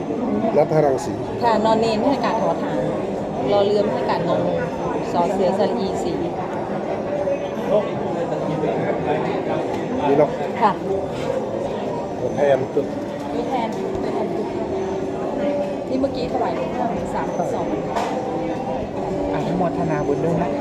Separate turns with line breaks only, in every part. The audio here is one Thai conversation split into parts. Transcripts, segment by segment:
นัทรังสี
ค่ะนอนเนนให้การทอฐานรอเรือให้การงงสอเสือสลีสี
นี่เนาะ
ค่ะ
ตัวแทนตัว
ตัวแทนที่เมื่อกี้ถวายหลวงพ่อ3.2
อนุโมทนาบุญด้วยนะคะ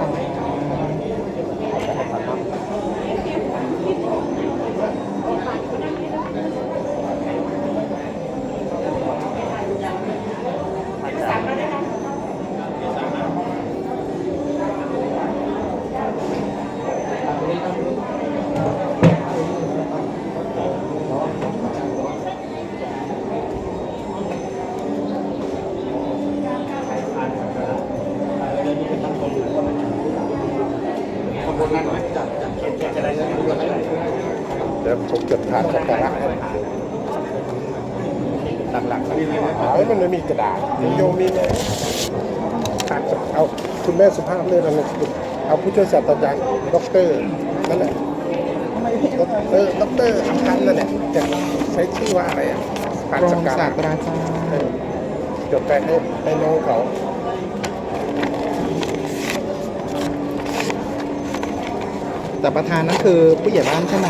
เดี๋ยวผมจดถาดสักการะให้หลักๆมันไม่มีกระดาษโยมมีไหมเอาคุณแม่สุภาพเลือกอะไรเอาผู้ช่วยศาสตราจารย์ด็อกเตอร์นั่นแหละด็อกเตอร์อัมพันธ์นั่นแหละจะใช้ชื่อว่าอะไรอ่ะถาด
รอ
สัก
ง
การะ
ศาสตราจารย์
จดไปให้น้องเขา
แต่ประธานนั่นคือผู้ใหญ่บ้านใช่ไหม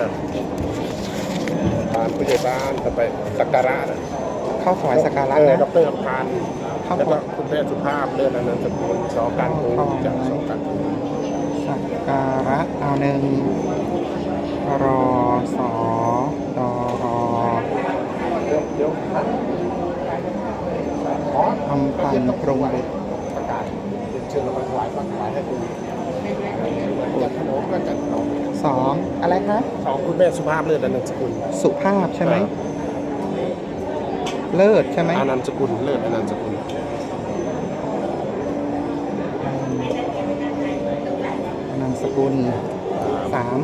ผ่านผู้ใหญ่บ้านต่อไปสักการะนะ
เข้าถวายสักการะนะ
ดรอัมพันธ์แล้วก็คุณแม่สุภาพเลือกอนันตกุลสอการภูจากสอการภู
สักการะเอาหนึ่งรอสอดอรอ
เดี๋ยว
อำพันธ์ปรุงบุตร
ประกาศเชิญเรามาถวายปักถวายให้คุณจัดขนมก็จัดขนม
สองอะไรคะ
สองคุณแม่สุภาพเลือกอนันตกุล
สุภาพใช่ไหมเลิศใช่ไหม
อนันตกุลเลือกอนันตกุล
นามสกุลสาม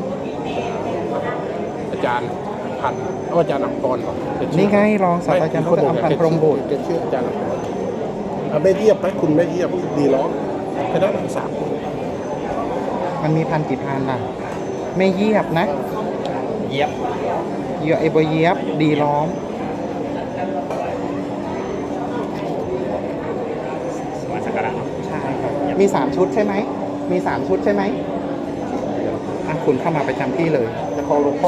อาจารย์พันธ์อาจารย์อัมพร
นี่ไงรองศาสตราจารย์ดรอัมพันธ์พรหมบุตร
จะชื่ออาจารย์อัมพรไม่เยียบไหมคุณไม่เยียบดีร้องแค่นั้นสามคน
มันมีพันกี่พันล่ะ ไม่เยียบนะ
เยียบ
เยียบไอบเยียบดีล้อม
มาสักการะ
ใช่ครับมี3ชุดใช่ไหมมี3ชุดใช่ไหมอ่ะคุณเข้ามาประจำที่เลย
จะของหลวงพ่อ